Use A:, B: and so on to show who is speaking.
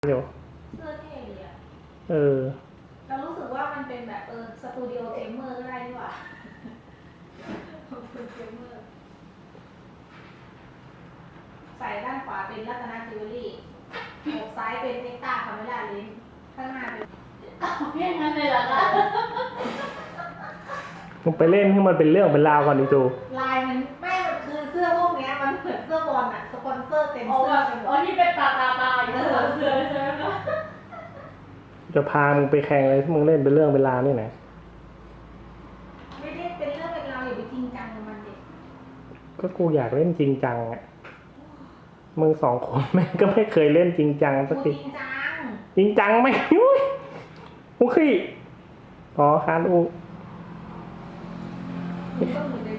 A: เดี๋ยว
B: เสื้อเท่ดีอ่ะ
A: เรา
B: รู้สึกว่ามันเป็นแบบสตูดิโอเกมเมอร์ก็ได้ดีกว่าเกมเมอร์ใส่ด้านขวาเป็นรัตนจิวเวลรี่อกซ้ายเป็นเอ็กตาคาเมล่าเลนส์ข้างหน้าเป็นแค่นั้นเลยเหรอคะ
A: มึงไปเล่นให้มันเป็นเรื่องเป็นราวก่อนดิจู
B: ลายมันไม่มันคือเสื้อพวกนี้มันเหมือนเสื้อบอลอะสปอนเซอร์เต็มเสื้อกันหมด
C: ที่เป็นตาอยู่เสื้อใช่ไหมคะ
A: จะพามึงไปแข่งอะไรที่มึงเล่นเป็นเรื่องเป็นราวนี่ไหน
B: ไม่ได้เป็นเรื่องเป็นราวอย่าไปจริงจังกับมันเด็ก
A: ก็กูอยากเล่นจริงจังอ่ะมึง2 คนแม่งก็ไม่เคยเล่นจริงจังสักทีจริงจังไหมอุ้ยขี้คานอู
B: มันก็เหมือนใน